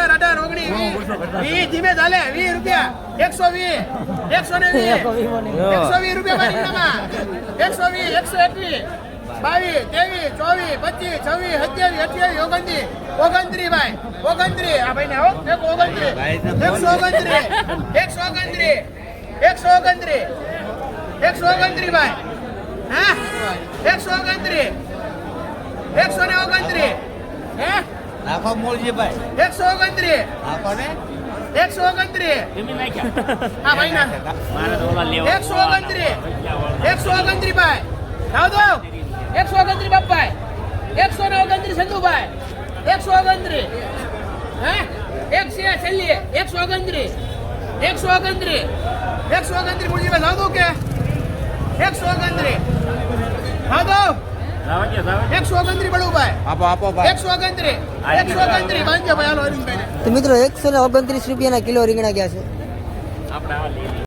17 18 19 20 ધીમે ચાલે 20 રૂપિયા 120 120 120 રૂપિયા રીંગણામાં 120 121 22 23 24 25 26 27 28 29 ભાઈ 29 આ ભાઈ ને આવો 129 129 ભાઈ હા 129 129 હે નાખો મોલજી ભાઈ 129 નાખો ને 129 એમી નાખ્યા હા ભાઈ ના મારે તો ઓલા લેવા 129 ભાઈ લાવ દો 129 બાપભાઈ 129 સંધુભાઈ 129 હે એક છે છેલ્લી 129 મુરજીભાઈ લાવ દો કે 129 લાવ દો લાવા કે લાવા 129 બળુભાઈ આપો ભાઈ 129 બાંધજો ભાઈ હાલો અરવિંદભાઈ તો મિત્રો 129 રૂપિયાના કિલો રીંગણા ગયા છે આપણે આવા લઈએ